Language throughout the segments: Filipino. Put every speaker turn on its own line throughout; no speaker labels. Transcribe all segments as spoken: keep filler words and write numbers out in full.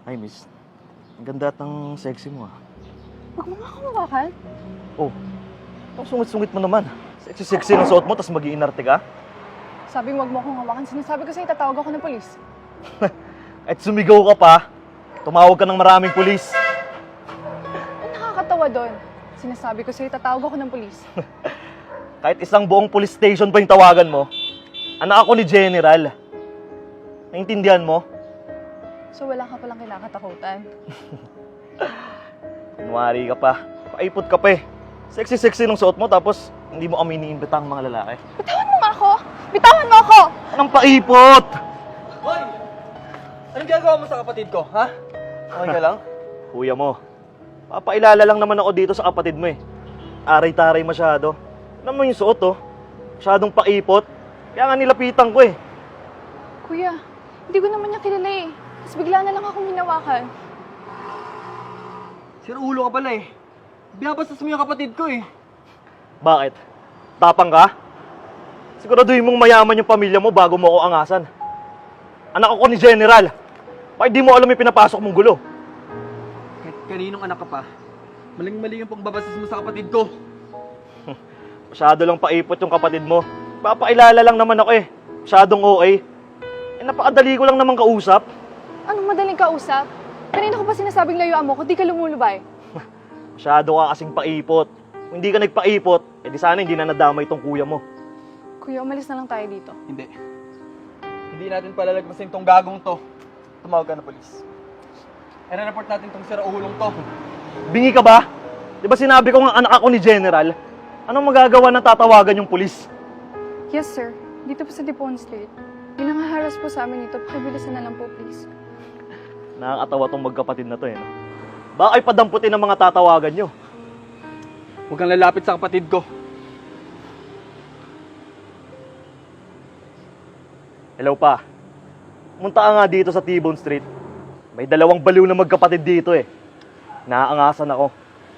Ay, miss. Ang ganda at ang sexy mo, ah.
Huwag mo nga ako mawakan.
Oh, ang sungit-sungit mo naman. Sexy-sexy ng suot mo, tapos mag-iinarte ka?
Sabi mo, huwag mo akong hawakan. Sinasabi ko sa'yo, tatawag ako ng polis.
At sumigaw ka pa, tumawag ka ng maraming pulis.
Ang nakakatawa doon. Sinasabi ko sa'yo, tatawag ako ng polis.
Kahit isang buong police station pa yung tawagan mo, anak ako ni General. Naintindihan mo?
So wala ka palang kinakatakutan.
Kunwari ka pa. Paipot ka pa eh. Sexy-sexy ng suot mo, tapos hindi mo kami iniimbita ang mga lalaki.
Bitawan mo nga ako! Bitawan mo ako!
Anong paipot?
Hoy! Anong ginagawa mo sa kapatid ko, ha? Okay ka lang?
Kuya mo, papailala lang naman ako dito sa kapatid mo eh. Aray-taray masyado. Alam mo yung suot oh. Masyadong paipot. Kaya nga nilapitan ko eh.
Kuya, hindi ko naman niya kilala eh. Tapos bigla na lang akong hinawakan.
Sir, ulo ka pala eh. Binabastos mo yung kapatid ko eh.
Bakit? Tapang ka? Siguraduhin mong mayaman yung pamilya mo bago mo ako angasan. Anak ako ni General. Bakit di mo alam yung pinapasok mong gulo?
Kahit kaninong anak ka pa, maling-mali yung pagbabastos mo sa kapatid ko.
Masyado lang paipot yung kapatid mo. Papailala lang naman ako eh. Masyadong O A. Eh, napakadali ko lang naman kausap.
Anong madaling kausap? Kanina ko pa sinasabing layuan mo kung di ka lumulubay.
Masyado ka kasing paipot. Kung hindi ka nagpaipot, eh di sana hindi na nadamay itong kuya mo.
Kuya, umalis na lang tayo dito.
Hindi. Hindi natin palalagpasin tong gagong to. Tumawag ka na polis. I-report natin tong sira-ulong to.
Bingi ka ba? Di ba sinabi ko nga anak ako ni General? Anong magagawa na tatawagan yung pulis?
Yes, sir. Dito po sa Dipon Street. May nangaharas po sa amin dito. Pakibilisan na lang po, please.
Nakakatawa tong magkapatid na to eh. No? Baka ay padamputin ng mga tatawagan nyo.
Huwag kang lalapit sa kapatid ko.
Hello pa. Munta ka nga dito sa T-Bone Street. May dalawang baliw na magkapatid dito eh. Naaangasan ako.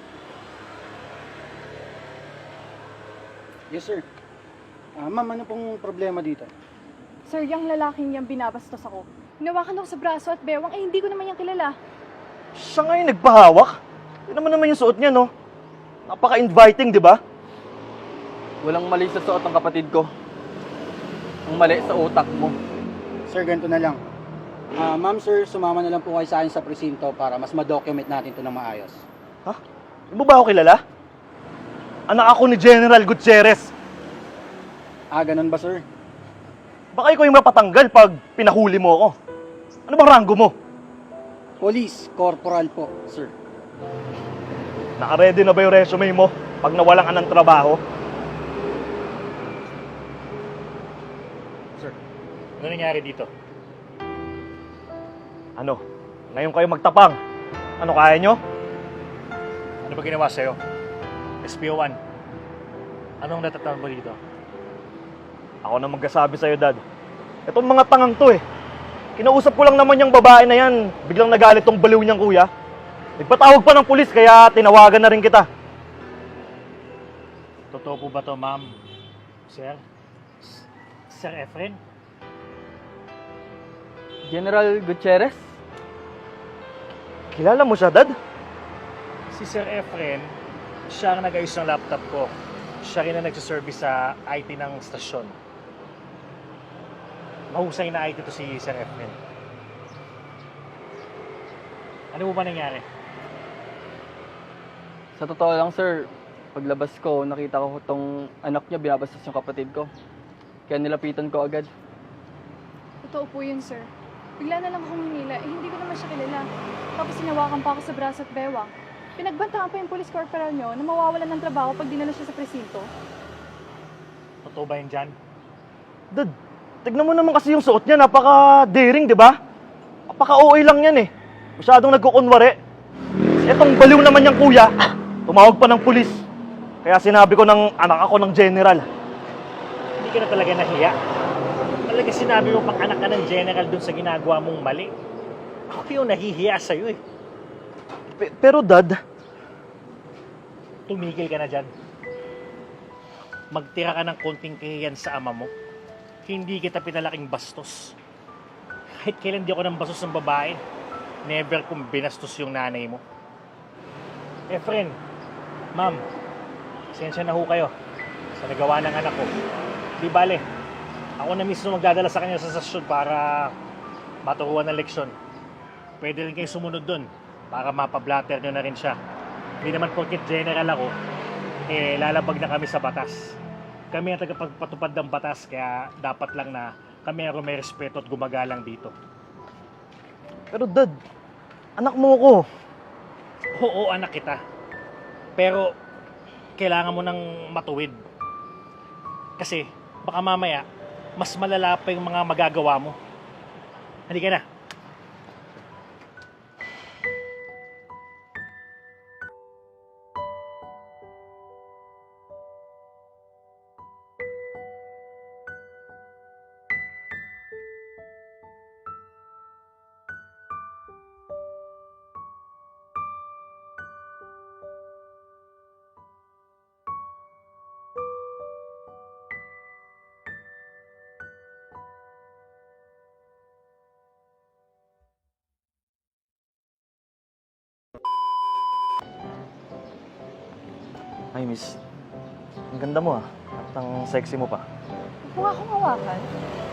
Yes, sir. Ah, ma'am, ano pong problema dito?
Sir, yung lalaking niyang binabastos ako. Hinawakan ako sa braso at bewang, eh hindi ko naman yung kilala.
Siya nga yung nagpahawak. Yun naman naman yung suot niya, no? Napaka-inviting, di ba?
Walang mali sa suot ng kapatid ko. Ang mali sa utak mo.
Sir, ganito na lang. Ah, ma'am, sir, sumama na lang po kayo sa akin sa presinto para mas ma-document natin ito ng maayos.
Ha? Di mo ba ako kilala? Anak ako ni General Gutierrez.
Ah, ganun ba, sir?
Baka ikaw yung mapatanggal pag pinahuli mo ako. Ano bang ranggo mo?
Police, corporal po, sir.
Naka-ready na ba yung resume mo pag nawalan ka ng trabaho?
Sir, ano nangyari dito?
Ano? Ngayon kayo magtapang. Ano, kaya nyo?
Ano ba ginawa sa'yo? S P O one, anong natatawag mo dito?
Ako na magkasabi sa'yo, Dad. Itong mga tangang to eh. Kinausap ko lang naman yung babae na yan. Biglang nagalit tong baliw niyang kuya. Nagpatawag pa ng pulis kaya tinawagan na rin kita.
Totoo po ba to, ma'am? Sir? S- Sir Efren?
General Gutierrez?
Kilala mo siya, Dad?
Si Sir Efren, siya ang nag-ayos ng laptop ko. Siya rin ang nagsiservice sa I T ng stasyon. Mahusay na I T to si Sir Efren. Ano po ba nangyari?
Sa totoo lang, sir, paglabas ko, nakita ko tong anak niya binabastos yung kapatid ko. Kaya nilapitan ko agad.
Totoo po yun, sir. Bigla na lang akong hinila, eh hindi ko naman siya kilala. Tapos hinawakan pa ako sa braso at bewang. Pinagbantaan pa yung police corporal nyo na mawawalan ng trabaho pag dinala siya sa presinto.
Totoo ba yun dyan?
Dad, tignan mo naman kasi yung suot niya. Napaka-daring, di ba? Napaka-O A lang yan eh. Masyadong nagkukunwari. Etong baliw naman niyang kuya, tumawag pa ng pulis. Kaya sinabi ko ng anak ako ng General.
Hindi ka na talaga nahiya. Talaga sinabi mo pang anak ka ng general dun sa ginagawa mong mali. Ako yung nahihiya sa'yo eh.
Pe- pero Dad,
Tumigil ka na dyan. Magtira ka ng konting kahiyan sa ama mo. Hindi kita pinalaking bastos. Kahit kailan di ako ng bastos ng babae. never kong binastos yung nanay mo. Eh, friend, ma'am, pasensya na ho kayo sa nagawa ng anak ko. Di bale, ako na mismo magdadala sa kanya sa sasyon para maturuan ng leksyon. Pwede rin kayo sumunod dun para mapablatter nyo na rin siya. Hindi naman porket general ako, eh lalabag na kami sa batas. Kami ang tagapagpatupad ng batas, kaya dapat lang na kami ang may respeto at gumagalang dito.
Pero dad, anak mo ko.
Oo, anak kita. Pero, kailangan mo nang matuwid. Kasi, baka mamaya, mas malala pa yung mga magagawa mo. Halika na.
Ay, miss. Ang ganda mo ah. At ang sexy mo pa.
Huwag mo nga akong hawakan.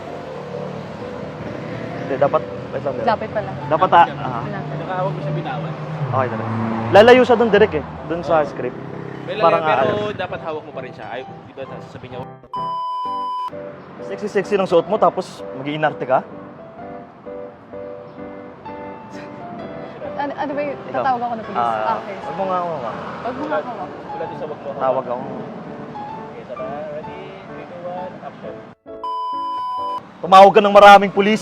Hindi, dapat... Wait lang, direk.
Lapit pala.
Dapat ah. ah.
Nakahawag mo siya binawan.
Okay, direk. Lalayo siya doon, direk eh. Doon sa script.
Well,
Parang
pero
aalas.
dapat hawak mo pa rin siya. Ay, di ba sasabihin niya,
Sexy-sexy ng suot mo, tapos mag-iinarte ka?
Ano, ano ba yung
Ikaw?
tatawag ako na police?
Ah,
okay.
Huwag mo nga ako. ah.
Huwag mo nga ako.
wala din sa wag mo.
Tawag ako.
Okay, so na, ready, three, two, one, action.
Tumawag ka ng maraming pulis.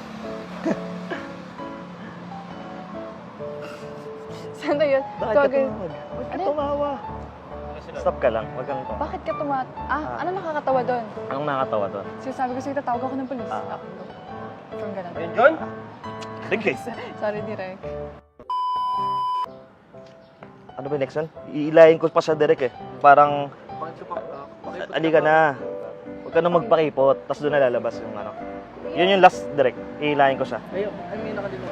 Saan na yun?
Bakit ka
Tawagin-
tumawag? Huwag ka
Ano?
tumawa. Stop ka lang. Huwag kang tumawa.
Bakit ka tumat... Ah,
Ah.
ano nakakatawa doon?
Anong nakakatawa doon?
Sinasabi ko sa'yo, tatawag ako ng polis.
Ah.
Ako. From ganun.
Ayun, John?
Sige.
Sorry, direct.
Ano ba yung next one? Iilayin ko pa siya direct eh. Parang, alika na. Huwag ka na magpakipot. Tapos doon na lalabas yung ano. Yun yung last direct. Iilayin ko siya.
Ayun, ay may nakadito.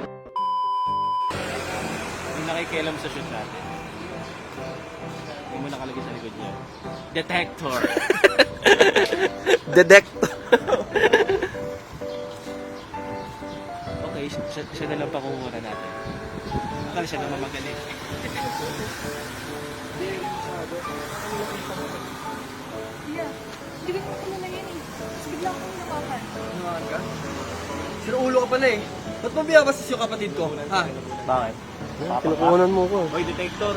Yung nakikialam sa shoot natin. Yung mo nakalagay sa likod niya. Detector.
Detector.
Okay, siya, siya na lang pakukuha natin. Akala siya naman magaling.
Yeah. Hindi ko naman kilala yan eh. Tapos bigla akong hinawakan.
Hinawakan ka? Sira ulo ka pala eh. Ba't mo biyabastos yung kapatid ko? Ha?
Bakit?
Kinukunan mo ko.
Oy, detector.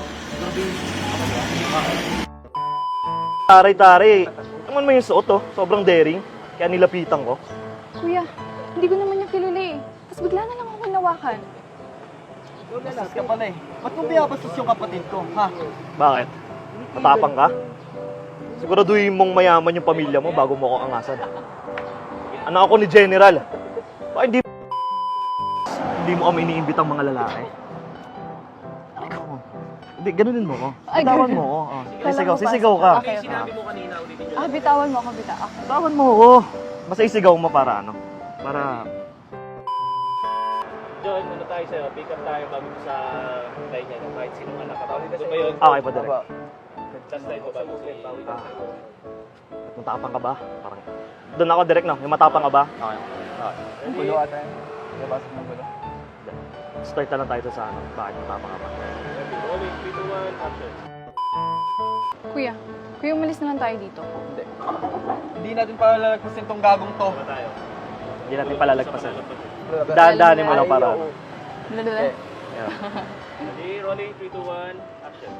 Taray-taray. Naman mo yung suot oh. Sobrang daring. Kaya nilapitan ko.
Kuya, hindi ko naman niya kilala eh. Tapos bigla na lang ako hinawakan.
Bastos ka pala eh. Ba't mo biyabastos yung kapatid ko? Ha?
Bakit? Matapang ka? Siguraduhin mong mayaman yung pamilya mo bago mo ako angasan. Anak ako ni General. Baka hindi hindi mo kami iniimbitang mga lalaki. Ikaw. Hindi, ganunin mo ko.
Ay,
Bitawan
ganun.
mo ko. Oh.
Kala
Sisigaw,
ko pa-
sisigaw ka.
Okay, okay.
Sinabi mo kanina, ulitin niyo.
Ah, bitawan mo ako, bita. Okay.
Bitawan mo ko. Basta isigaw mo para ano. Para...
John, ano tayo sa'yo? Pick up tayo bago sa line niya. Kahit sino man nakatawag. Doon ba yun?
Okay pa direct.
Last line ko bago si...
Ah. Matapang ka ba? Parang... Doon ako direct no? Yung matapang ka ba? Okay. Okay.
Ang gulo ata yun. Nabasag ng gulo.
Start na lang tayo sa ano. Bakit matapang ka ba?
Rolling, three, two, one, action.
Kuya, kuya, umalis na lang tayo dito.
Hindi. Hindi natin palalagpasin tong gagong to.
Ba tayo?
Hindi natin palalagpasan. Daan-daanin mo lang para ano.
Dala-dala.
Yeah.
Ready, rolling, three, two, one, action.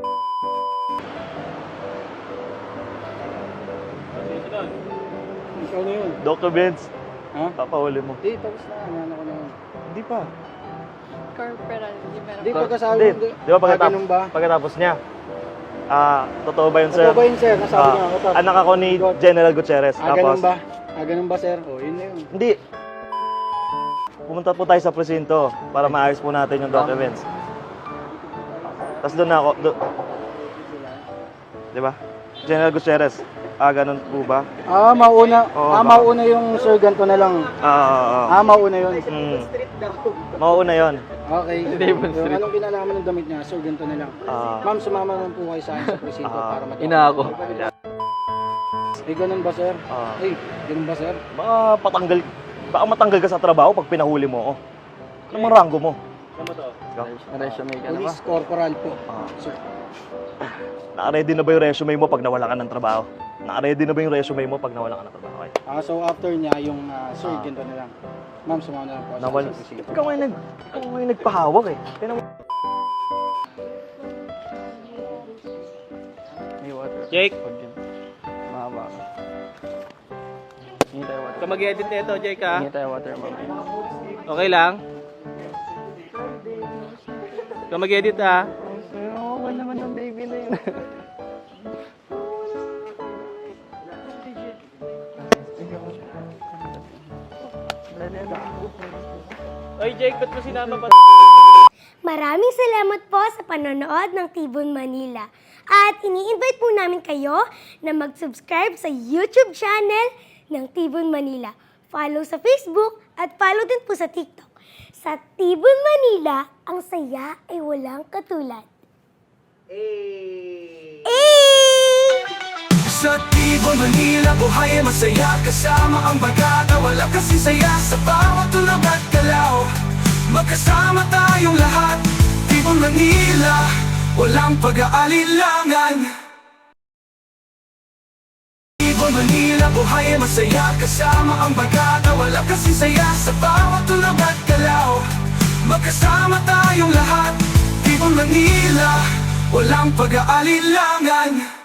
Okay, sunod.
Ikaw na yun.
Doctor Benz,
Ha?
papahuli mo.
Hindi, tapos na. Ano ko na yun.
Hindi pa.
Corporal, di ba?
Hindi, pagkasabi.
Hindi. Di ba
Ah,
pagkatapos,
ganun ba?
pagkatapos niya? Ah, totoo ba yun, sir?
Totoo ba yun, sir? Nasabi
Ah,
niya. Totoo.
anak ako ni General Gutierrez.
Ah, ganun ba? Ah, ganun ba, sir? O, yun na yun.
Hindi. Pumunta po tayo sa presinto para maayos po natin yung documents. Tapos doon na ako, do, di ba? General Gutierrez. Ah, ganun po ba?
Ah, mauna.
Oo,
ah,
baka-
mauna yung sir, ganito na lang.
Ah, ah, ah.
Ah, mauna yun.
Mm. Mauuna yun.
Okay.
Devon
Yung
Street.
anong kinalaman ng damit niya, sir, ganito na lang.
Ah.
Ma'am, sumama naman po kayo sa akin sa presinto
Ah,
para matapos.
ina ako.
Eh, ganun ba, sir?
Ah.
Eh, ganun ba, sir?
Baka patanggal, baka matanggal ka sa trabaho pag pinahuli mo ako. Ano mang ranggo mo? Ikaw?
Resume ka na ba?
Police corporal po,
Ah.
sir.
Naka-ready na ba yung resume mo pag nawala ka ng trabaho? Naka-ready na ba yung resume mo pag nawala ka ng trabaho? Okay.
Ah, so after niya, yung ah, sir,
Ah.
ganito na lang. Ma'am, sumama na lang po sa
Nawal.
akin sa presinto.
Ikaw nga yung nag, ikaw nga yung nagpahawak eh. Tingnan mo.
May water.
Jake,
Pag yun. Mahaba ka. Hingi tayo water.
ka mag-edit nito, Jake ha?
Hingi tayo water, mami.
Okay lang? Ka mag-edit ha?
Okay naman yung baby na yun.
Oy Jake, ba't mo sinama pa?
Maraming salamat po sa panonood ng Tibon Manila. At ini-invite po namin kayo na mag-subscribe sa YouTube channel ng Tibon Manila. Follow sa Facebook at follow din po sa TikTok. Sa Tibon Manila, ang saya ay walang katulad. Eh!
Sa Tibon, Manila, buhay ay masaya. Kasama ang bagata, wala kasi saya. Sa bawat tulog at galaw, magkasama tayong lahat. Tibon, Manila, walang pag-aalilangan. Tibon, Manila, buhay ay masaya. Kasama ang bagata, wala kasi saya. Sa bawat tulog at galaw, magkasama tayong lahat. Tibon, Manila, walang pag-aalilangan.